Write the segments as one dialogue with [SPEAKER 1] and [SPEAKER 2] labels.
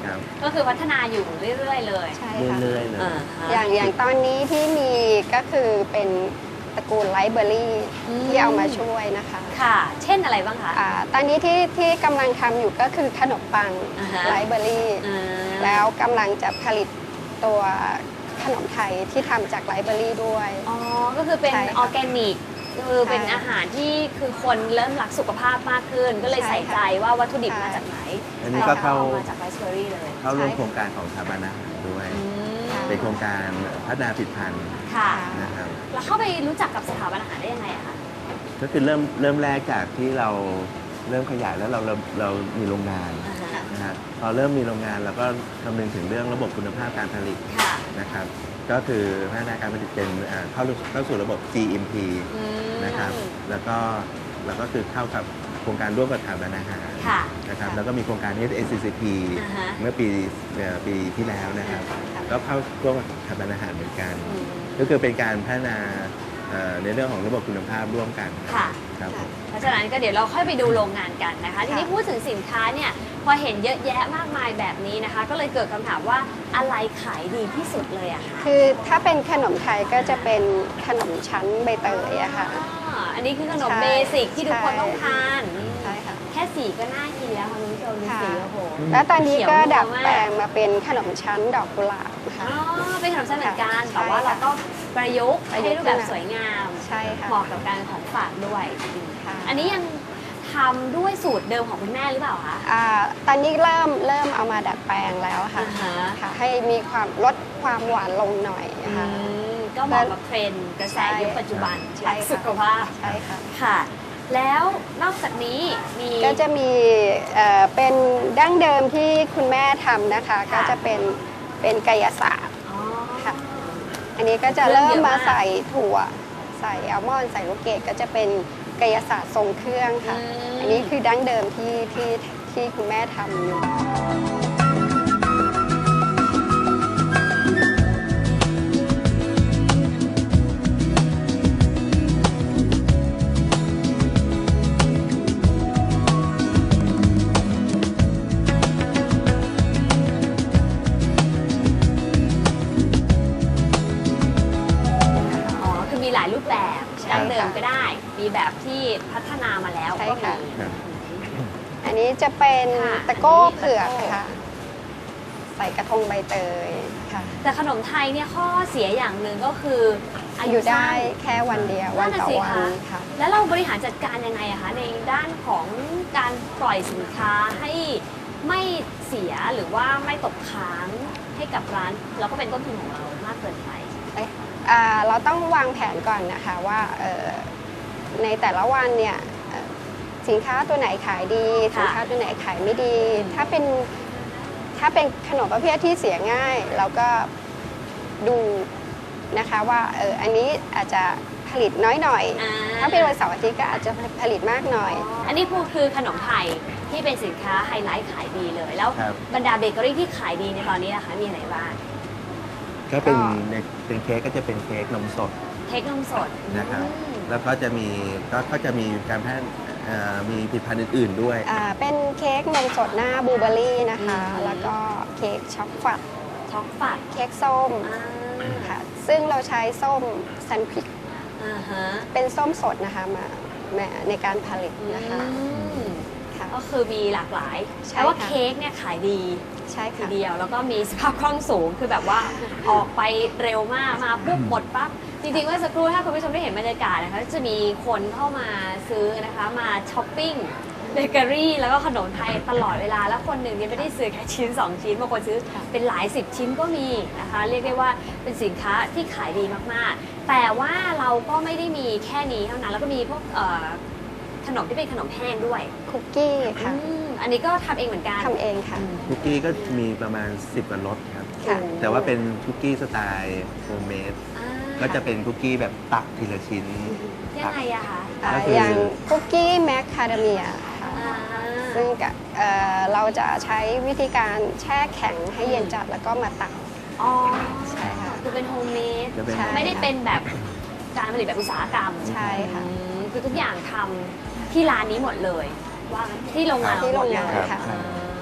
[SPEAKER 1] นะครับ
[SPEAKER 2] ก็คือพัฒนาอยู่เรื่อยๆเลย
[SPEAKER 3] ใช่ค่ะ
[SPEAKER 1] เรื่อยๆเลย
[SPEAKER 3] อย่างตอนนี้ที่มีก็คือเป็นตระกูลไลฟ์เบอร์รี่ที่เอามาช่วยนะคะ
[SPEAKER 2] ค่ะ เช่นอะไรบ้างคะ
[SPEAKER 3] ตอนนี้ที่กำลังทำอยู่ก็คือขนมปังไลฟ์เบอร์รี่แล้วกำลังจะผลิตตัวขนมไทยที่ทำจากไลฟ์เบอร์รี่ด้วย
[SPEAKER 2] อ๋อ ก็คือเป็น
[SPEAKER 3] ใช่ค่ะ
[SPEAKER 2] ออร์แกนิก คือเป็น
[SPEAKER 3] ใช่
[SPEAKER 2] อาหารที่คือคนเริ่มรักสุขภาพมากขึ้น ก็เลย
[SPEAKER 3] ใช่
[SPEAKER 2] ใส่
[SPEAKER 3] ค่ะ
[SPEAKER 2] ใจว่าวัตถุดิบ
[SPEAKER 3] ใช่
[SPEAKER 2] มาจากไหน
[SPEAKER 1] อันนี้ก็เข้า
[SPEAKER 2] มาจากไรซ์เบอร์รี่เลย
[SPEAKER 1] เข้าร่วม
[SPEAKER 3] ใช่
[SPEAKER 1] โครงการของสถาบันอาหารด้วย
[SPEAKER 2] อืม
[SPEAKER 1] เป็นโครงการพัฒนาผลิตภัณฑ์
[SPEAKER 2] ค่ะ
[SPEAKER 1] นะครับ
[SPEAKER 2] แล้วเข้าไปรู้จักกับสถาบันอาหารได้ยังไงอะคะ
[SPEAKER 1] ก็คือเริ่มแรกจากที่เราเริ่มขยายแล้วเรามีโรงงาน
[SPEAKER 2] อ่าฮะ
[SPEAKER 1] นะฮะพอเริ่มมีโรงงานเราก็คำนึงถึงเรื่องระบบคุณภาพการผลิต
[SPEAKER 2] ค่ะ
[SPEAKER 1] นะครับ ก็คือพัฒนาการผลิตเป็นเข้าสู่ระบบ GMP
[SPEAKER 2] อืม
[SPEAKER 1] นะครับแล้วก็คือเข้ากับโครงการร่วมกับสถาบันอาหาร
[SPEAKER 2] ค่ะ
[SPEAKER 1] นะครับแล้วก็มีโครงการ SCCP
[SPEAKER 2] อ่าฮะ
[SPEAKER 1] เมื่อปีที่แล้วนะครับ ก็เข้าร่วมกับสถาบันอาหารเหมือนกัน
[SPEAKER 2] อืม
[SPEAKER 1] ก็คือเป็นการพัฒนาในเรื่องของระบบคุณภาพร่วมกัน
[SPEAKER 2] ค่ะ
[SPEAKER 1] ครับผม
[SPEAKER 2] เพราะฉะนั้นก็เดี๋ยวเราค่อยไปดูโรงงานกันนะคะ ทีนี้พูดถึงสินค้าเนี่ยพอเห็นเยอะแยะมากมายแบบนี้นะคะ ก็เลยเกิดคำถามว่าอะไรขายดีที่สุดเลยอะคะ
[SPEAKER 3] คือถ้าเป็นขนมไทยก็จะเป็นขนมชั้นใบเตยอะค่ะ
[SPEAKER 2] อันนี้คือขนม
[SPEAKER 3] ใช่
[SPEAKER 2] เบสิกที่ทุกคน
[SPEAKER 3] ใช่
[SPEAKER 2] ต้องทาน
[SPEAKER 3] ใช่ค่ะ
[SPEAKER 2] แค่สีก็น่ากินแล้วค่ะคุณผู้ชมดู
[SPEAKER 3] ค่ะ
[SPEAKER 2] สีโอ้โห
[SPEAKER 3] แล้วตอนนี้ก็
[SPEAKER 2] เขียวนัว
[SPEAKER 3] ดัดแปลง
[SPEAKER 2] มาก
[SPEAKER 3] มาเป็นขนมชั้นดอกกุหลาบค่ะ
[SPEAKER 2] อ๋อเป็นขนมชั้นเหมือนกัน
[SPEAKER 3] ใช่
[SPEAKER 2] แต่ว่าเราก็ประยุกต์ให้รูปแบบสวยงาม
[SPEAKER 3] ใช่ค่ะ
[SPEAKER 2] เหมาะกับการของฝากด้วย
[SPEAKER 3] ค่ะ
[SPEAKER 2] อันนี้ยังทำด้วยสูตรเดิมของคุณแม่หรือเปล่าคะ
[SPEAKER 3] ตอนนี้เริ่มเอามาดัดแปลงแล้วค่ะ
[SPEAKER 2] อ่าฮะ
[SPEAKER 3] ค่ะ ให้มีความลดความหวานลงหน่อยค่ะ
[SPEAKER 2] ก็เหมาะกับเทรนด์กระแสยุคปัจจุบัน
[SPEAKER 3] ใช่
[SPEAKER 2] รัก
[SPEAKER 3] ค่ะ
[SPEAKER 2] สุขภาพ
[SPEAKER 3] ใช่ค่ะ
[SPEAKER 2] ค่ะ แล้วนอกจากนี้มี
[SPEAKER 3] ก็จะมีเป็นดั้งเดิมที่คุณแม่ทำนะคะ
[SPEAKER 2] ค่ะ
[SPEAKER 3] ก็จะเป็นกายศาสตร์
[SPEAKER 2] อ๋อ
[SPEAKER 3] ค่ะ อันนี้ก็จะ
[SPEAKER 2] เริ่
[SPEAKER 3] เริ่
[SPEAKER 2] ม
[SPEAKER 3] ม
[SPEAKER 2] เยอะ
[SPEAKER 3] มาม
[SPEAKER 2] าก
[SPEAKER 3] ใส่ถั่ว ใส่อัลมอนด์ใส่ลูกเกดก็จะเป็นกายศาสตร์ทรงเครื่องค่ะ อันนี้คือดั้งเดิมที่คุณแม่ทำอยู่
[SPEAKER 2] อ๋อ คือมีหลายรูปแบบ
[SPEAKER 3] ใช่
[SPEAKER 2] ดั้งเดิม
[SPEAKER 3] ค่ะ
[SPEAKER 2] ก็ได้ มีแบบที่พัฒนามาแล้ว
[SPEAKER 3] ใช่
[SPEAKER 2] ก็
[SPEAKER 3] ค่ะ
[SPEAKER 2] มี
[SPEAKER 1] ครับ
[SPEAKER 3] อันนี้จะเป็น
[SPEAKER 2] ค่ะ
[SPEAKER 3] ตะโก้
[SPEAKER 2] อันนี้
[SPEAKER 3] เผือก
[SPEAKER 2] ตะโก้
[SPEAKER 3] ค่ะ ใส่กระทงใบเตยค่ะ
[SPEAKER 2] แต่ขนมไทยเนี่ยข้อเสียอย่างหนึ่งก็คืออา
[SPEAKER 3] อ
[SPEAKER 2] ยุ
[SPEAKER 3] ยู่ได้
[SPEAKER 2] สั้น
[SPEAKER 3] แค่วันเดียววันต่อ
[SPEAKER 2] นั่นน่ะสิ
[SPEAKER 3] วั
[SPEAKER 2] คะ
[SPEAKER 3] นค่ะ
[SPEAKER 2] แล้วเราบริหารจัดการยังไงอะคะในด้านของการปล่อยสินค้าให้ไม่เสียหรือว่าไม่ตกค้างให้กับร้านแล้วก็เป็นต้นทุนของเรามากเกินไป
[SPEAKER 3] เราต้องวางแผนก่อนนะคะว่าในแต่ละวันเนี่ยสินค้าตัวไหนขายดี
[SPEAKER 2] ค่ะ
[SPEAKER 3] สินค้าตัวไหนขายไม่ดี ถ้าเป็นขนมประเภทที่เสียง่าย เราก็ดูนะคะว่าอันนี้อาจจะผลิตน้อยหน่อย ถ้าเป็นวันเสาร์อาทิตย์ก็อาจจะผลิตมากหน่อย
[SPEAKER 2] อันนี้คือขนมไทยที่เป็นสินค้าไฮไลท์ขายดีเลย แล้ว
[SPEAKER 1] ครับ
[SPEAKER 2] บรรดาเบเกอรี่ที่ขายดีในตอนนี้นะคะมีอะไรบ้าง
[SPEAKER 1] ก็เป็นเค้กก็จะเป็นเค้กนมสด
[SPEAKER 2] เค้กนมสด
[SPEAKER 1] นะครับ
[SPEAKER 2] อืม
[SPEAKER 1] แล้วก็จะมีการมีผลิตภัณฑ์อื่นๆด้วย
[SPEAKER 3] เป็นเค้กนมสดหน้าบลูเบอร์รี่นะคะ
[SPEAKER 2] อืม
[SPEAKER 3] แล้วก็เค้กช็อกฟัด
[SPEAKER 2] ช็อกฝัด
[SPEAKER 3] เค้กส้ม
[SPEAKER 2] อ่า
[SPEAKER 3] ค่ะซึ่งเราใช้ส้มซันควิก
[SPEAKER 2] อ่าฮะ
[SPEAKER 3] เป็นส้มสดนะคะมาในการผลิตนะคะ
[SPEAKER 2] อืม
[SPEAKER 3] ค่ะ
[SPEAKER 2] ก็คือมีหลากหลาย
[SPEAKER 3] ใช่
[SPEAKER 2] แต่ว่า
[SPEAKER 3] ค่ะ
[SPEAKER 2] เค้กเนี่ยขายดี
[SPEAKER 3] ใช่
[SPEAKER 2] ที
[SPEAKER 3] ค่ะ
[SPEAKER 2] เดียว แล้วก็มีสภาพคล่องสูง คือแบบว่าออกไปเร็วมาก มาปุ๊บหมดปั๊บ จริงๆเมื่อสักครู่ถ้าคุณผู้ชมได้เห็นบรรยากาศนะคะ จะมีคนเข้ามาซื้อนะคะ มาช้อปปิ้งเบเกอรี่แล้วก็ขนมไทยตลอดเวลา แล้วคนหนึ่งเนี่ยไม่ได้ซื้อแค่ชิ้น 2 ชิ้น บางคนซื้อเป็นหลาย10 ชิ้นก็มีนะคะ เรียกได้ว่าเป็นสินค้าที่ขายดีมากๆ แต่ว่าเราก็ไม่ได้มีแค่นี้เท่านั้น แล้วก็มีพวกขนมที่เป็นขนมแห้งด้วย
[SPEAKER 3] คุกกี้ค่ะ
[SPEAKER 2] อันนี้ก็ทำเองเหมือนกัน
[SPEAKER 3] ทำเองค่ะ
[SPEAKER 1] คุกกี้ก็มีประมาณ 10 กว่ารสครับ
[SPEAKER 3] ค่ะ
[SPEAKER 1] แต่ว่าเป็นคุกกี้สไตล์โฮมเมด
[SPEAKER 2] อ่า
[SPEAKER 1] ก็จะเป็นคุกกี้แบบตักทีละชิ้น
[SPEAKER 2] ยังไงอะคะ
[SPEAKER 1] ก็คือ
[SPEAKER 3] อ
[SPEAKER 1] อย่าง
[SPEAKER 3] คุกกี้แมคคาเดเมียค่ะ
[SPEAKER 2] อ่า
[SPEAKER 3] ซึ่งเราจะใช้วิธีการแช่แข็งให้เย็นจัดแล้วก็มาตัก
[SPEAKER 2] อ๋อ
[SPEAKER 3] ใช่ค่ะ
[SPEAKER 2] คือเป็นโฮมเมด
[SPEAKER 1] จะเป็น
[SPEAKER 3] ใช่
[SPEAKER 2] ไม่ได้เป็นแบบการผลิตแบบอุตสาหกรรม
[SPEAKER 3] ใช่ค่ะ
[SPEAKER 2] คือทุกอย่างทำที่ร้านนี้หมดเลย ว่างั้นที่โรงงาน
[SPEAKER 3] ที่โรงงาน
[SPEAKER 2] หมดเลย
[SPEAKER 3] ค่ะ
[SPEAKER 1] ครับ
[SPEAKER 2] อ่า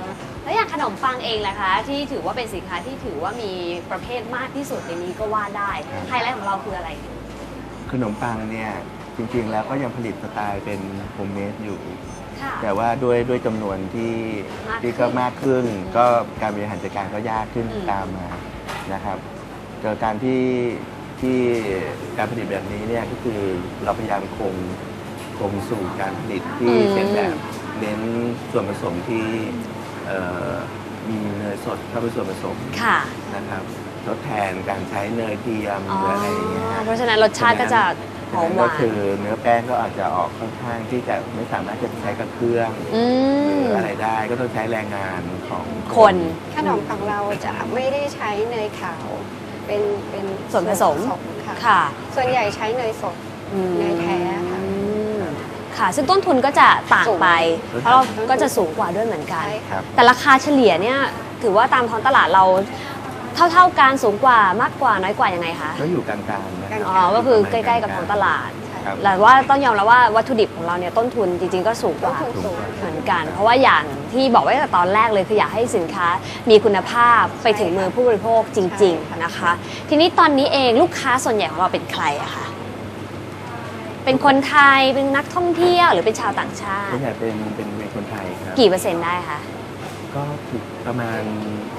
[SPEAKER 2] แล้วอย่างขนมปังเองล่ะคะที่ถือว่าเป็นสินค้าที่ถือว่ามีประเภทมากที่สุดในนี้ก็ว่าได้ไฮไลท์ของเราคืออะไร
[SPEAKER 1] ขนมปังเนี่ยจริงๆแล้วก็ยังผลิตสไตล์เป็นโฮมเมดอยู่
[SPEAKER 2] ค่ะ
[SPEAKER 1] แต่ว่าด้วยจำนวนที่
[SPEAKER 2] มากขึ้น
[SPEAKER 1] ที่ก็มากขึ้น ก็การบริหารจัดการก็ยากขึ้น
[SPEAKER 2] อืม
[SPEAKER 1] ตามมานะครับเกิดการที่การผลิตแบบนี้เนี่ยก็คือเราพยายามคงสู่การผลิตที่เป็นแบบเน้นส่วนผสมที่มีเนยสดเข้าไปส่วนผสม
[SPEAKER 2] ค่ะ
[SPEAKER 1] นะครับทดแทนการใช้เนยเทียมหรืออะไรอย่างเงี้ย
[SPEAKER 2] เพราะฉะนั้นรสชาติก็จะหอมห
[SPEAKER 1] ก็
[SPEAKER 2] วาน
[SPEAKER 1] คือเนื้อแป้งก็อาจจะออกค่อนข้างที่จะไม่สามารถจะใช้กับเครื่อง
[SPEAKER 2] อื
[SPEAKER 1] ห
[SPEAKER 2] ม
[SPEAKER 1] รืออะไรได้ก็ต้องใช้แรงงานของ
[SPEAKER 2] คน
[SPEAKER 3] ขนมของเราจะไม่ได้ใช้เนยขาว เป็น
[SPEAKER 2] ส่วนผสม
[SPEAKER 3] ค่ะ
[SPEAKER 2] ค่ะ
[SPEAKER 3] ส่วนใหญ่ใช้เนยสด เนยแท้ค่ะ
[SPEAKER 2] อืมค่ะ ซึ่งต้นทุนก็จะต่างไป เพราะเราก็จะสูงกว่าด้วยเหมือนกัน
[SPEAKER 3] ใช่
[SPEAKER 1] ค
[SPEAKER 3] ค่ะ
[SPEAKER 1] รับ
[SPEAKER 2] แต่ราคาเฉลี่ยเนี่ยถือว่าตามท้องตลาดเราเท่ากันสูงกว่ามากกว่าน้อยกว่ายังไงคะ
[SPEAKER 1] ก็อยู่กลางๆนะค
[SPEAKER 3] ก
[SPEAKER 1] รับ
[SPEAKER 3] ลาง
[SPEAKER 2] อ๋อ ก็คือใกล้ๆกับท้องตลาด
[SPEAKER 1] ครับ
[SPEAKER 2] แต่ว่าต้องยอมรับว่าวัตถุดิบของเราเนี่ยต้นทุนจริงๆก็สูงก
[SPEAKER 3] ต้น
[SPEAKER 2] ว่า
[SPEAKER 3] ทุนสูง
[SPEAKER 2] เหมือนกัน เพราะว่าอย่างที่บอกไว้ตั้งแต่ตอนแรกเลยคืออยากให้สินค้ามีคุณภาพไปถึงมือผู้บริโภคจริง ๆนะคะ ทีนี้ตอนนี้เองลูกค้าส่วนใหญ่ของเราเป็นใครอะคะเป็นคนไทยเป็นนักท่องเที่ยวหรือเป็นชาวต่างชา
[SPEAKER 1] ส่ว
[SPEAKER 2] ติ
[SPEAKER 1] นใหญ่เป็นคนไทยครับ
[SPEAKER 2] กี่เปอร์เซ็นต์ได้คะ
[SPEAKER 1] ก็ถูกประมาณ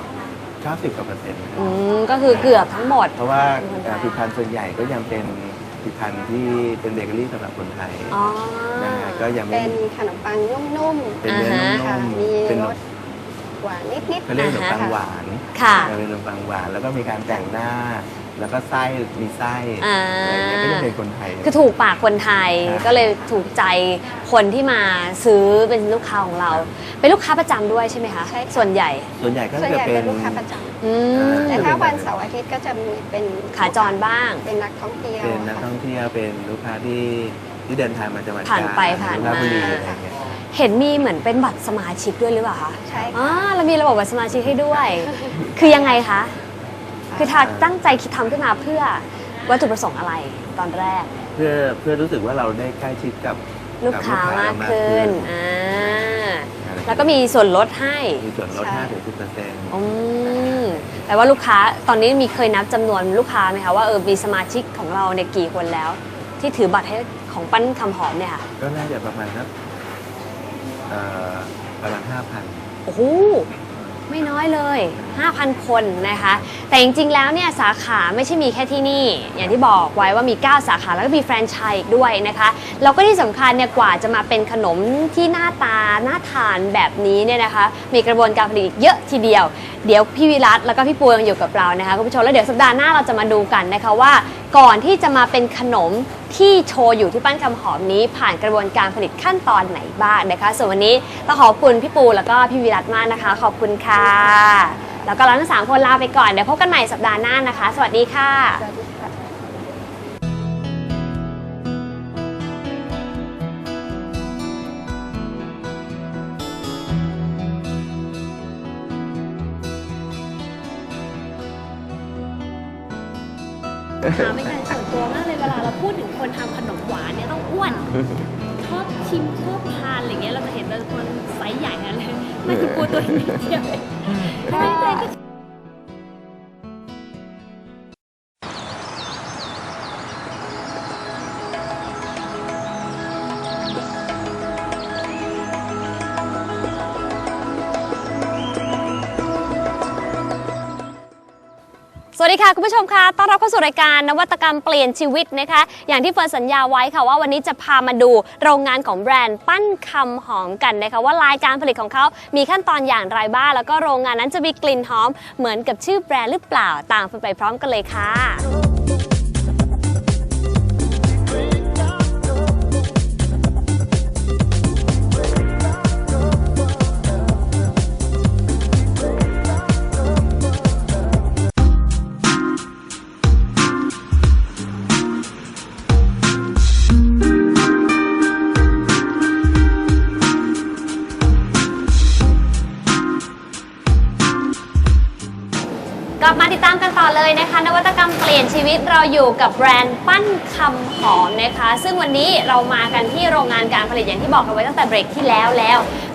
[SPEAKER 1] 90 กว่าเปอร์เซ็นต์นะครับ
[SPEAKER 2] ก็คือเกือบทั้งหมด
[SPEAKER 1] เพราะว่า
[SPEAKER 2] เป็นคนไทย
[SPEAKER 1] ผลิตภัณฑ์ส่วนใหญ่ก็ยังเป็นผลิตภัณฑ์ที่เป็นเบเกอรี่สำหรับคนไทย
[SPEAKER 2] อ๋อ
[SPEAKER 1] นะฮะก็ยังไม่
[SPEAKER 3] เป็นขนมปังนุ่ม
[SPEAKER 1] เป็นเนื้อ
[SPEAKER 2] อ่า
[SPEAKER 1] นุ่
[SPEAKER 3] ๆค่ะ
[SPEAKER 1] ม
[SPEAKER 3] มี
[SPEAKER 1] ๆเป็น
[SPEAKER 3] รสหวานนิดๆ
[SPEAKER 1] เขาเรียกขนมปัง
[SPEAKER 3] ค่ะ
[SPEAKER 1] หวาน
[SPEAKER 2] ค่ะ
[SPEAKER 1] เป็นขนมปังหวานแล้วก็มีการแต่งหน้า แล้วก็ไส้มีไส้
[SPEAKER 2] อ่า
[SPEAKER 1] อะไรเงี้ยก็จะเป็นคนไทย
[SPEAKER 2] คือถูกปากคนไทย
[SPEAKER 1] ครับ
[SPEAKER 2] ก็เลยถูกใจคนที่มาซื้อเป็นลูกค้าของเรา เป็นลูกค้าประจำด้วยใช่ไหมคะ
[SPEAKER 3] ใช่ค่ะ
[SPEAKER 2] ส่วนใหญ่
[SPEAKER 1] ส่วนใหญ่ก็
[SPEAKER 3] ส่วน
[SPEAKER 1] จะ
[SPEAKER 3] ใหญ่
[SPEAKER 1] เป็
[SPEAKER 3] เป็น นลูกค้าประจ
[SPEAKER 2] อืม
[SPEAKER 3] ำแต่ถ้าวันเสาร์อาทิตย์ก็จะมีเป็น
[SPEAKER 2] ขาจรบ้าง
[SPEAKER 3] เป็นนักท่องเที่ยว
[SPEAKER 1] เป็นนัก
[SPEAKER 3] ค่ะ
[SPEAKER 1] ท่องเที่ยวเป็นลูกค้าที่เดินทางมาจังหวัด
[SPEAKER 2] ผ่านไป
[SPEAKER 1] กญ
[SPEAKER 2] ผ่าน
[SPEAKER 1] ราชบุรี
[SPEAKER 2] มา
[SPEAKER 1] อะไรเงี้ย
[SPEAKER 2] เห็นมีเหมือนเป็นบัตรสมาชิกด้วยหรือเปล่าคะ
[SPEAKER 3] ใช่
[SPEAKER 2] อ๋อ
[SPEAKER 3] ค่ะ
[SPEAKER 2] เรามีระบบบัตรสมาชิกให้ด้วย คือยังไงคะ คือทาตั้งใจคิดทำขึ้นมาเพื่อวัตถุประสงค์อะไรตอนแรก
[SPEAKER 1] เพื่อรู้สึกว่าเราได้ใกล้ชิดกับ
[SPEAKER 2] ลูกค้ามากขึ้น อ่า
[SPEAKER 1] อะไร
[SPEAKER 2] แล้วก็มีส่วนลดให้
[SPEAKER 1] มีส่วนลด
[SPEAKER 3] ใช่
[SPEAKER 1] 5-10%
[SPEAKER 2] อืมแต่ว่าลูกค้าตอนนี้มีเคยนับจำนวนลูกค้าไหมคะว่ามีสมาชิกของเราเนี่ยกี่คนแล้ว ที่ถือบัตรให้ของปั้นคำหอมเนี่ยค่ะ
[SPEAKER 1] ก็น่าจะประมาณสักประมาณ 5,000
[SPEAKER 2] โอ้โห ไม่น้อยเลย 5,000 คนนะคะ แต่จริงๆ แล้วเนี่ยสาขาไม่ใช่มีแค่ที่นี่ อย่างที่บอกไว้ว่ามี 9 สาขาแล้วก็มีแฟรนไชส์อีกด้วยนะคะ แล้วก็ที่สำคัญเนี่ยกว่าจะมาเป็นขนมที่หน้าตาน่าทานแบบนี้เนี่ยนะคะ มีกระบวนการผลิตอีกเยอะทีเดียว เดี๋ยวพี่วิรัตแล้วก็พี่ปูยังอยู่กับเรานะคะคุณผู้ชมแล้วเดี๋ยวสัปดาห์หน้าเราจะมาดูกันนะคะว่า ก่อนที่จะมาเป็นขนมที่โชว์อยู่ที่ปั้นคำหอมนี้ ผ่านกระบวนการผลิตขั้นตอนไหนบ้างนะคะ ส่วนวันนี้ต้องขอบคุณพี่ปูแล้วก็พี่วิรัตมากนะคะ ขอบคุณค่ะ แล้วก็เราทั้ง3คนลาไปก่อนเดี๋ยวพบกันใหม่สัปดาห์หน้านะคะ สวัสดีค่ะ
[SPEAKER 3] สวัสดีค่ะ
[SPEAKER 2] ถามเป็นการส่วนตัวมากเลยเวลาเราพูดถึงคนทำขนมหวานเนี่ยต้องอ้วน ชอบชิมชอบทานอะไรเงี้ยเราจะเห็นเป็นคนไซส์ใหญ่กันเลยไม่คือกลัวตัวเองนิดเดียวเองทำไมตัวเองก็ สวัสดีค่ะคุณผู้ชมค่ะต้อนรับเข้าสู่รายการนวัตกรรมเปลี่ยนชีวิตนะคะอย่างที่เฟิร์นสัญญาไว้ค่ะว่าวันนี้จะพามาดูโรงงานของแบรนด์ปั้นคำหอมกันนะคะว่ารายการผลิตของเขามีขั้นตอนอย่างไรบ้างแล้วก็โรงงานนั้นจะมีกลิ่นหอมเหมือนกับชื่อแบรนด์หรือเปล่าตามไปพร้อมกันเลยค่ะ กลับมาติดตามกันต่อเลยนะคะนวัตกรรมเปลี่ยนชีวิตเราอยู่กับแบรนด์ปั้นคำหอมนะคะซึ่งวันนี้เรามากันที่โรงงานการผลิตอย่างที่บอกกันไว้ตั้งแต่เบรกที่แล้ว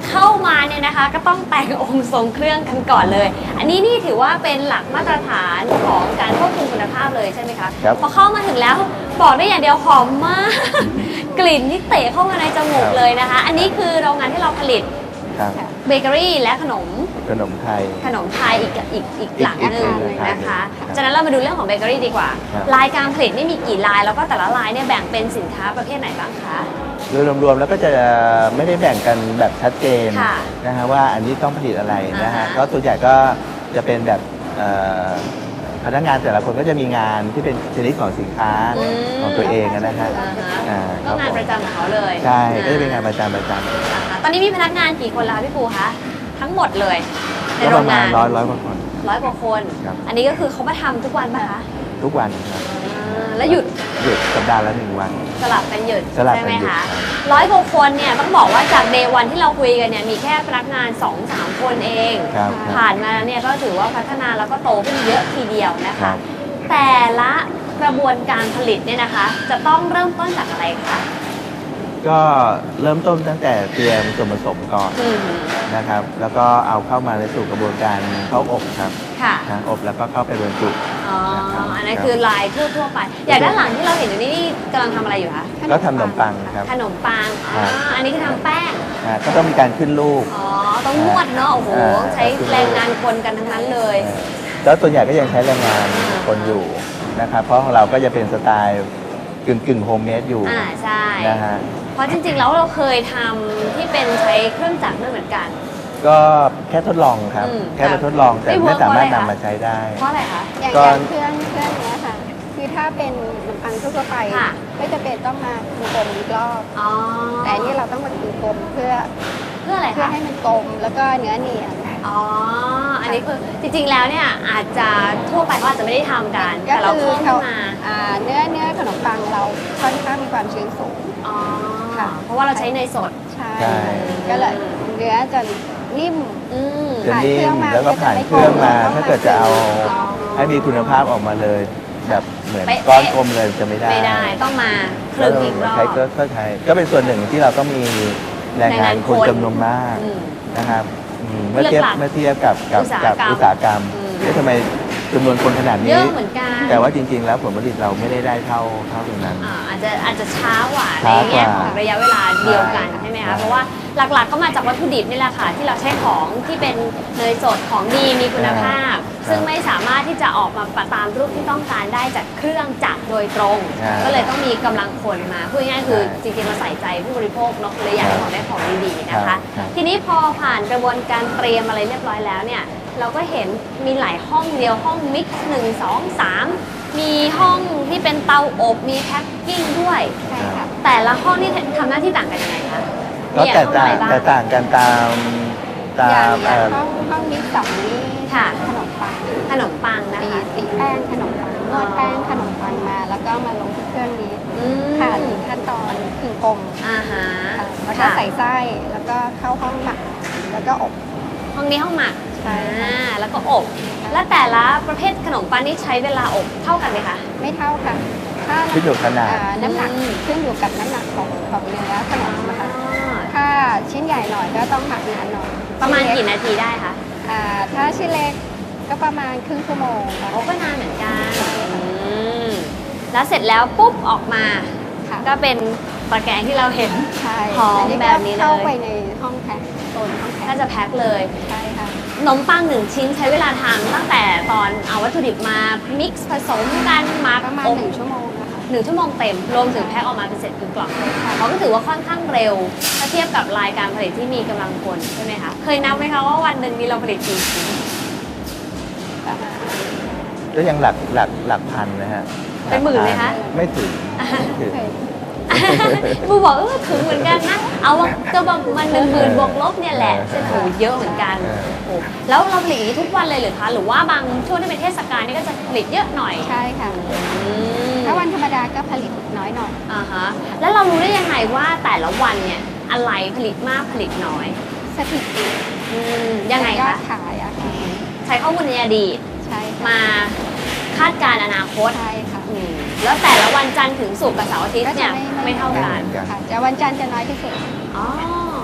[SPEAKER 2] เข้ามาเนี่ยนะคะก็ต้องแต่งองค์ทรงเครื่องกันก่อนเลย อันนี้นี่ถือว่าเป็นหลักมาตรฐานของการควบคุมคุณภาพเลยใช่ไหมคะ
[SPEAKER 1] ครับ
[SPEAKER 2] พอเข้ามาถึงแล้วบอกได้อย่างเดียวหอมมาก กลิ่นที่เตะเข้ามาในจมูกเลยนะคะ อันนี้คือโรงงานที่เราผลิต
[SPEAKER 1] ครับ
[SPEAKER 2] เบเกอรี่และขนม
[SPEAKER 1] ขนมไทย
[SPEAKER 2] อีกหลังหนึ่ง
[SPEAKER 1] อีก
[SPEAKER 2] นะคะ
[SPEAKER 1] ครับ
[SPEAKER 2] จากนั้นเรามาดูเรื่องของเบเกอรี่ดีกว่า
[SPEAKER 1] ครับ
[SPEAKER 2] ลายการผลิตนี่มีกี่ลายแล้วก็แต่ละลายเนี่ยแบ่งเป็นสินค้าประเภทไหนบ้างคะ
[SPEAKER 1] โดยรวมๆแล้วก็จะไม่ได้แบ่งกันแบบชัดเจน
[SPEAKER 2] ค่ะ
[SPEAKER 1] นะฮะว่าอันนี้ต้องผลิตอะไรนะฮะ
[SPEAKER 2] อ่าฮะ
[SPEAKER 1] ก็ส่วนใหญ่ก็จะเป็นแบบพนักงานแต่ละคนก็จะมีงานที่เป็นชนิดของสินค้าของตัวเองนะฮะ
[SPEAKER 2] อ่าฮะก็งานประจำของเขาเลย
[SPEAKER 1] ใช่ก็จะเป็นงานประจำ
[SPEAKER 2] นะคะตอนนี้มีพนักงานกี่คนแล้วคะพี่ปูคะทั้งหมดเลยใน
[SPEAKER 1] ก็
[SPEAKER 2] โร
[SPEAKER 1] ประ
[SPEAKER 2] ง
[SPEAKER 1] มาณ
[SPEAKER 2] งาน
[SPEAKER 1] ร้อยกว่าคน
[SPEAKER 2] 100 กว่าคน
[SPEAKER 1] ครับ
[SPEAKER 2] อันนี้ก็คือเขามาทำทุกวันป่ะคะ
[SPEAKER 1] ทุกวันครับ
[SPEAKER 2] แล้วหยุด
[SPEAKER 1] หยุดสัปดาห์ละ1 วัน
[SPEAKER 2] สลับกันหยุด
[SPEAKER 1] สลับ
[SPEAKER 2] ใช่
[SPEAKER 1] กัน
[SPEAKER 2] ไหม
[SPEAKER 1] หยุด
[SPEAKER 2] คะ
[SPEAKER 1] ครับ
[SPEAKER 2] 100 กว่าคนเนี่ยต้องบอกว่าจากเดย์วันที่เราคุยกันเนี่ยมีแค่พนักงาน 2-3 คนเอง
[SPEAKER 1] ครับ
[SPEAKER 2] ผ่านมาเนี่ยก็ถือว่าพัฒนาแล้วก็โตขึ้นเยอะทีเดียวนะ
[SPEAKER 1] ครั
[SPEAKER 2] คะ
[SPEAKER 1] บ
[SPEAKER 2] แต่ละกระบวนการผลิตเนี่ยนะคะ จะต้องเริ่มต้นจากอะไรคะ
[SPEAKER 1] ก็เริ่มต้นตั้งแต่เตรียมส่วนผสมก่อน
[SPEAKER 2] อืม
[SPEAKER 1] นะครับ แล้วก็เอาเข้ามาในสู่กระบวนการเข้าอบครับ
[SPEAKER 2] ค่ะ
[SPEAKER 1] นะอบแล้วก็เข้าไปบรรจุ
[SPEAKER 2] อ๋อ
[SPEAKER 1] นะครับ
[SPEAKER 2] อันนั้นคือลายทั่วๆไป อย่างด้านหลังที่เราเห็นอยู่นี่กำลังทำอะไรอยู่คะ
[SPEAKER 1] ก็ทำขนมปังครับ
[SPEAKER 2] ขนมปัง อ๋อ อันนี้คือทำแป้ง
[SPEAKER 1] ก็ต้องมีการขึ้นลูก
[SPEAKER 2] อ๋อ ต้องนวดเนาะ โอ้โห ใช้แรงงานคนกันทั้งนั้นเลย
[SPEAKER 1] แล้วส่วนใหญ่ก็ยังใช้แรงงานคนอยู่นะครับ เพราะของเราก็จะเป็นสไตล์กึ่งโฮมเมดอยู่
[SPEAKER 2] ใช่
[SPEAKER 1] นะฮะ
[SPEAKER 2] เพราะจริงๆ แล้วเราเคยทำที่เป็นใช้เครื่องจักรด้วยเหมือนกัน
[SPEAKER 1] ก็แค่ทดลองครับ แค่ไปทดลองแต่
[SPEAKER 2] ไม่
[SPEAKER 1] ไม่
[SPEAKER 2] work
[SPEAKER 1] สามารถ
[SPEAKER 2] เพราะอะไรคะ
[SPEAKER 1] นำมาใช้ได้
[SPEAKER 2] เพราะอะไรคะ
[SPEAKER 3] อย่าง
[SPEAKER 1] ก็
[SPEAKER 3] เครื่องเนี้ยค่ะ คือถ้าเป็นขนมปังทั่วๆไป
[SPEAKER 2] ค่ะ
[SPEAKER 3] ไม่จะเป็นต้องมาคือกลมอีกรอบ
[SPEAKER 2] อ๋อ
[SPEAKER 3] แต่อันนี้เราต้องมาคือกลมเพื่อ
[SPEAKER 2] เพื่ออะไร
[SPEAKER 3] เพื่อ
[SPEAKER 2] คะ
[SPEAKER 3] ให้มันกลมแล้วก็เนื้อเนียน
[SPEAKER 2] อ๋อ อันนี้คือจริงๆ แล้วเนี่ยอาจจะทั่วไปเขาอาจจะไม่ได้ทำกัน แต่เราเพิ่มขึ้นมา
[SPEAKER 3] เนื้อขนมปังเราค่อนข้างมีความชื้นสูง
[SPEAKER 2] อ๋อ
[SPEAKER 3] ค่ะ
[SPEAKER 2] เพราะว่าเราใช้เนยสด
[SPEAKER 3] ใช่
[SPEAKER 1] ใช่
[SPEAKER 3] ก็เลยเนื้อจะนิ่ม
[SPEAKER 2] อืม
[SPEAKER 1] จะนิ่
[SPEAKER 3] ผ่านเครื่
[SPEAKER 1] ม
[SPEAKER 3] องมา
[SPEAKER 1] แล้วก็ผ่านเครื่องมา ถ้าเกิดจะเอา
[SPEAKER 3] ลอง
[SPEAKER 1] ให้มีคุณภาพออกมาเลย แบบเหมือน
[SPEAKER 2] เป๊ะ
[SPEAKER 1] ก้อนกลมเลยจะไม่ได้
[SPEAKER 2] ไม่ได้ ต้องมาคลึงอีกรอบ
[SPEAKER 1] ใช้ก็ใช้ก็เป็นส่วนหนึ่งที่เราต้องมีแรงงานคนจำนวนมาก
[SPEAKER 2] อืม
[SPEAKER 1] นะครับเมื่อ
[SPEAKER 2] เลื
[SPEAKER 1] เทีย
[SPEAKER 2] อบ กหลัก
[SPEAKER 1] เมื่อเทียบกับ
[SPEAKER 2] อุตสาหกรรม
[SPEAKER 1] อุตสาหกรรม
[SPEAKER 2] อืม
[SPEAKER 1] เอ๊ะทำไมจำนวนคนขนาด
[SPEAKER 2] เย
[SPEAKER 1] นี้
[SPEAKER 2] อะเหมือนกัน
[SPEAKER 1] แต่ว่าจริงๆ แล้วผลผลิตเราไม่ได้เท่าตรงนั้น
[SPEAKER 2] อาจจะช้ากว่าใน
[SPEAKER 1] ช้ากว่า
[SPEAKER 2] แง่ของระยะเวลาเดียวกัน
[SPEAKER 1] ใช่
[SPEAKER 2] ใช่ไหม
[SPEAKER 1] ใช่
[SPEAKER 2] คะ เพราะว่าหลักๆก็มาจากวัตถุดิบนี่แหละค่ะ ที่เราใช้ของที่เป็นเนยสดของดีมีคุณภาพ ซึ่งไม่สามารถที่จะออกมาตามรูปที่ต้องการได้จากเครื่องจักรโดยตรง ก็เลยต้องมีกำลังคนมาพูดง่ายๆคือจริงๆเราใส่ใจผู้บริโภคเนาะเลยอยากให้ของได้ของดีๆนะคะ ทีนี้พอผ่านกระบวนการเตรียมอะไรเรียบร้อยแล้วเนี่ย เราก็เห็นมีหลายห้องเดียวห้องมิกซ์1 2 3 มีห้องที่เป็นเตาอบมีแพ็คกิ้งด้วย
[SPEAKER 3] ใช่ค่ะ
[SPEAKER 2] แต่ละห้องนี่ทำหน้าที่ต่างกันยังไงคะ
[SPEAKER 1] ก็
[SPEAKER 2] มี
[SPEAKER 1] แต
[SPEAKER 2] ห้อก ง
[SPEAKER 1] ต่า
[SPEAKER 2] อะ
[SPEAKER 1] ง
[SPEAKER 2] ไรบ้าง
[SPEAKER 1] แตกต่างกันตาม
[SPEAKER 3] อย่างห้องนี้สองนี้
[SPEAKER 2] ค่ะ
[SPEAKER 3] ขนมปัง
[SPEAKER 2] ขนมปังนะ
[SPEAKER 3] ตี
[SPEAKER 2] คะ
[SPEAKER 3] ตีแป้งขนมปังนวดแป้งขนมปังมา แล้วก็มาลงที่เครื่องนี้
[SPEAKER 2] อืม
[SPEAKER 3] ค่ะถึงขั้นตอนคือกลม
[SPEAKER 2] อ่าฮะ
[SPEAKER 3] ค่ะแล้วก็
[SPEAKER 2] ค่ะ
[SPEAKER 3] ใส่ไส้แล้วก็เข้าห้องหมักแล้วก็อบ
[SPEAKER 2] ห้องนี้ห้องหมัก
[SPEAKER 3] ใช่ค่ะ
[SPEAKER 2] แล้วก็อบ และแต่ละประเภทขนมปังนี่ใช้เวลาอบเท่ากันไหมคะ
[SPEAKER 3] ไม่เท่าค่ะถ้า
[SPEAKER 1] ขึ้นอยู่ขนาด
[SPEAKER 3] น้ำหนัก
[SPEAKER 2] อืม
[SPEAKER 3] ขึ้นอยู่กับน้ำหนักของเนื้อขนมนะคะ ถ้าชิ้นใหญ่หน่อยก็ต้องหมักนานหน่อย
[SPEAKER 2] ประมาณ
[SPEAKER 3] ชิ้น
[SPEAKER 2] กี่
[SPEAKER 3] เล็
[SPEAKER 2] นาทีได้คะ
[SPEAKER 3] ถ้าชิ้นเล็กก็ประมาณครึ่งชั่วโมงค่ะ
[SPEAKER 2] โอ้ก็นานเหมือนกันอืมแล้วเสร็จแล้วปุ๊บออกมา
[SPEAKER 3] ค่ะ
[SPEAKER 2] ก็เป็นตะแกรงที่เราเห็น
[SPEAKER 3] ใช่
[SPEAKER 2] หอม
[SPEAKER 3] อัก็
[SPEAKER 2] แบบนี้เลย
[SPEAKER 3] เข้าไปในห้องแพ็คโซนห้องแพ็
[SPEAKER 2] ก็
[SPEAKER 3] ค
[SPEAKER 2] จะแพ็คเลย
[SPEAKER 3] ใช่ค่ะ
[SPEAKER 2] ขนมปัง1 ชิ้นใช้เวลาทำตั้งแต่ตอนเอาวัตถุดิบมามิกซ์ผสมกันหมัก
[SPEAKER 3] ประมาณ
[SPEAKER 2] อบ
[SPEAKER 3] 1 ชั่วโมงนะคะ
[SPEAKER 2] 1 ชั่วโมงเต็ม รวมถึงแพ็คออกมาเป็นเสร็จเป็นกล่องเขาก็ถือว่าค่อนข้างเร็ว ถ้าเทียบกับรายการผลิตที่มีกำลังคนใช่ไหมคะ เคยนับไหมคะว่าวันหนึ่งมีเราผลิตกี่ชิ้น
[SPEAKER 3] ประมาณ
[SPEAKER 1] ก็ยังหลักพันนะฮะ
[SPEAKER 2] เป็นหมื่นไหมคะ
[SPEAKER 1] ไม่ถึงไม่ถึง
[SPEAKER 3] เคย
[SPEAKER 2] บูบอกถึงเหมือนกันนะ เอาว่าก็ประมาณ10,000 บวกลบเนี่ยแหละใช่ไหมโอ้เยอะเหมือนกันโอ้แล้วเราผลิตอย่างนี้ทุกวันเลยหรือคะ หรือว่าบางช่วงที่เป็นเทศกาลนี่ก็จะผลิตเยอะหน่อย
[SPEAKER 3] ใช่ค่ะ
[SPEAKER 2] อืม
[SPEAKER 3] ถ้าวันธรรมดาก็ผลิตน้อยหน่อย
[SPEAKER 2] อ่าฮะ แล้วเรารู้ได้ยังไงว่าแต่ละวันเนี่ยอะไรผลิตมากผลิตน้อย
[SPEAKER 3] สถิติ
[SPEAKER 2] ยังไง
[SPEAKER 3] ยอ
[SPEAKER 2] คะ
[SPEAKER 3] ดขายอะค่ะ
[SPEAKER 2] ใช้ข้อมูลในอดีต
[SPEAKER 3] ใช่ค่ะ
[SPEAKER 2] มาคาดการณ์อนาคต
[SPEAKER 3] ใช่ค่ะ
[SPEAKER 2] แล้วแต่ละวันจันทร์ถึงศุกร์กับเสาร์อาทิตย์เนี่ยไม่เท่ากัน
[SPEAKER 3] ค่ะจะวันจันทร์จะน้อยที่สุด
[SPEAKER 2] อ๋อ
[SPEAKER 3] ใช่ค่ะ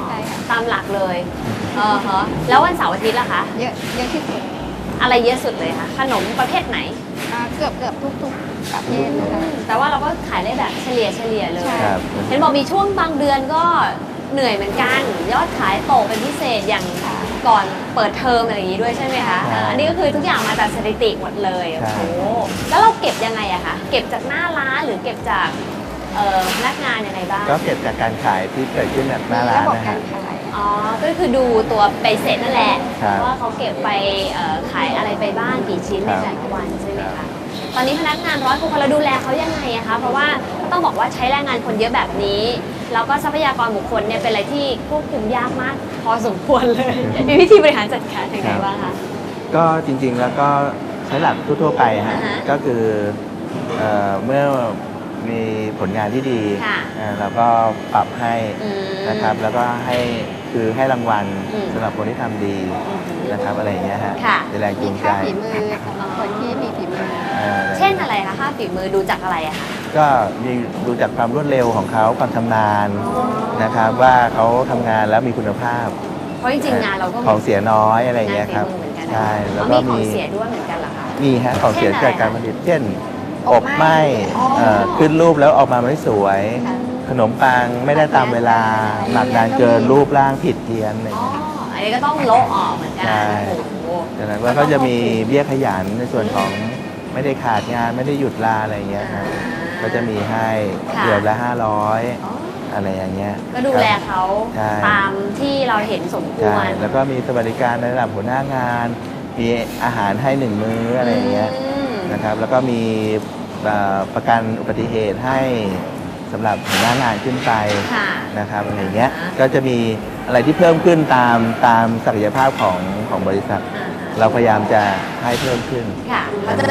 [SPEAKER 2] ตามหลักเลยฮะแล้ววันเสาร์อาทิตย์ล่ะคะ
[SPEAKER 3] เยอะเยอะที่สุด
[SPEAKER 2] อะไรเยอะสุดเลยคะขนมประเภทไหน
[SPEAKER 3] เกือบทุกประเภทนะคะ
[SPEAKER 2] แต่ว่าเราก็ขายได้แบบเฉลี่ยเลย
[SPEAKER 3] ใช่
[SPEAKER 1] ครับ
[SPEAKER 2] เห็นบอกมีช่วงบางเดือนก็เหนื่อยเหมือนกัน ยอดขายตกเป็นพิเศษอย่างก่อนเปิดเทอมอะไรอย่างนี้ด้วยใช่ไหมคะ
[SPEAKER 1] ใช่
[SPEAKER 2] อันนี้ก็คือทุกอย่างมาจากสถิติหมดเลย
[SPEAKER 1] ใช่
[SPEAKER 2] โอ้โหแล้วเราเก็บยังไงอะคะเก็บจากหน้าร้านหรือเก็บจากพนักงานยังไงบ้าง
[SPEAKER 1] ก็เก็บจากการขายที่เกิดขึ้นแบบหน้าร้าน
[SPEAKER 3] ระบบ
[SPEAKER 1] นะ
[SPEAKER 3] กา
[SPEAKER 1] ฮะ
[SPEAKER 3] รขาย
[SPEAKER 2] อ๋อ ก็คือดูตัวใบเสร็จนั่นแหละ
[SPEAKER 1] ครับ
[SPEAKER 2] ว่าเขาเก็บไปขายอะไรไปบ้างกี่ชิ้นในแต่ละวันใช่ไหม
[SPEAKER 1] ครั
[SPEAKER 2] คะ
[SPEAKER 1] บ
[SPEAKER 2] ตอนนี้พนักงาน100 คนเราดูแลเขายังไงอะคะ เพราะว่าต้องบอกว่าใช้แรงงานคนเยอะแบบนี้ แล้วก็ทรัพยากรบุคคลเนี่ยเป็นอะไรที่ควบคุมยากมาก พอสมควรเลย มีวิธีบริหารจัดการยังไงบ้างคะ
[SPEAKER 1] ก็จริงๆแล้วก็ใช้หลักทั่วๆไปฮะ
[SPEAKER 2] อ่าฮะ
[SPEAKER 1] ก็คือเมื่อมีผลงานที่ดี
[SPEAKER 2] ค่ะ
[SPEAKER 1] เราก็ปรับให้
[SPEAKER 2] อืม
[SPEAKER 1] นะครับ แล้วก็ให้รางวัล
[SPEAKER 2] อืม
[SPEAKER 1] สำหรับคนที่ทำดีนะครับอะไรอย่างเงี้ยฮะ
[SPEAKER 2] ค่ะ
[SPEAKER 1] เป็นแรงจู
[SPEAKER 3] มี
[SPEAKER 1] งใจ
[SPEAKER 3] ค่าฝีมือสำหรับคนที่มีฝีมือ
[SPEAKER 2] เช่นอะไรคะค่าฝีมือดูจากอะไรอะคะ
[SPEAKER 1] ก็มีดูจากความรวดเร็วของเขาความชำนาญนะครับ ว่าเขาทำงานแล้วมีคุณภาพ
[SPEAKER 2] เพราะจริงๆงานเราก็
[SPEAKER 1] ของเสียน้อยอะไรอย่างเงี้ยครับ
[SPEAKER 2] งานฝีมือเหมือนกัน
[SPEAKER 1] ใช่
[SPEAKER 2] แล้
[SPEAKER 1] แล้ว ว
[SPEAKER 2] ก็
[SPEAKER 1] ก็
[SPEAKER 2] มีของ
[SPEAKER 1] มี
[SPEAKER 2] เสียด้วยเหมือนกันเหรอคะ
[SPEAKER 1] มีฮะของเสีย
[SPEAKER 2] เช่นอะไร
[SPEAKER 1] จากการผลิตเช่น
[SPEAKER 3] อ
[SPEAKER 1] อ
[SPEAKER 3] บบ ไหม้
[SPEAKER 1] ไหม้
[SPEAKER 2] อ๋อ
[SPEAKER 1] ขึ้นรูปแล้วออกมาไม่สวย
[SPEAKER 3] ค่ะ
[SPEAKER 1] ขนมปังไม่ได้ตามเวลา หมักนานเกินรูปร่างผิดเพี้ยนอะไรอ
[SPEAKER 2] อ๋
[SPEAKER 1] ย่า
[SPEAKER 2] อ
[SPEAKER 1] งเงี้ย
[SPEAKER 2] อันนี้ก็ต้องโละออกเหมือนกัน
[SPEAKER 1] ใช่
[SPEAKER 2] โอ้โห
[SPEAKER 1] ดังนั้นว่าก็จะมีเบี้ยขยันในส่วนของไม่ได้ขาดงานไม่ได้หยุดลาอะไรอย่างเงี้ยครับก็จะมีให้
[SPEAKER 2] ค่ะ
[SPEAKER 1] เดือนละ
[SPEAKER 2] อ๋อ
[SPEAKER 1] 500อะไรอย่างเงี้ย
[SPEAKER 2] ก็ดูแลเขา
[SPEAKER 1] ใช่
[SPEAKER 2] ตามที่เราเห็นสมค
[SPEAKER 1] ใช่
[SPEAKER 2] วร
[SPEAKER 1] แล้วก็มีสวัสดิการในระดับหัวหน้างาน มีอาหารให้1 มื้ออะไรอย่างเงี้ย
[SPEAKER 2] ม
[SPEAKER 1] นะครับแล้วก็มีประกันอุบัติเหตุให้สำหรับหัวหน้างานขึ้นไป
[SPEAKER 2] ค่ะ
[SPEAKER 1] นะครับอะไรอย่างเงี้ย
[SPEAKER 2] อ่า
[SPEAKER 1] ก็จะมีอะไรที่เพิ่มขึ้นตามศักยภาพของบริษัท
[SPEAKER 2] อ่า
[SPEAKER 1] เราพยายามจะให้เพิ่มขึ้น
[SPEAKER 2] ค่ะ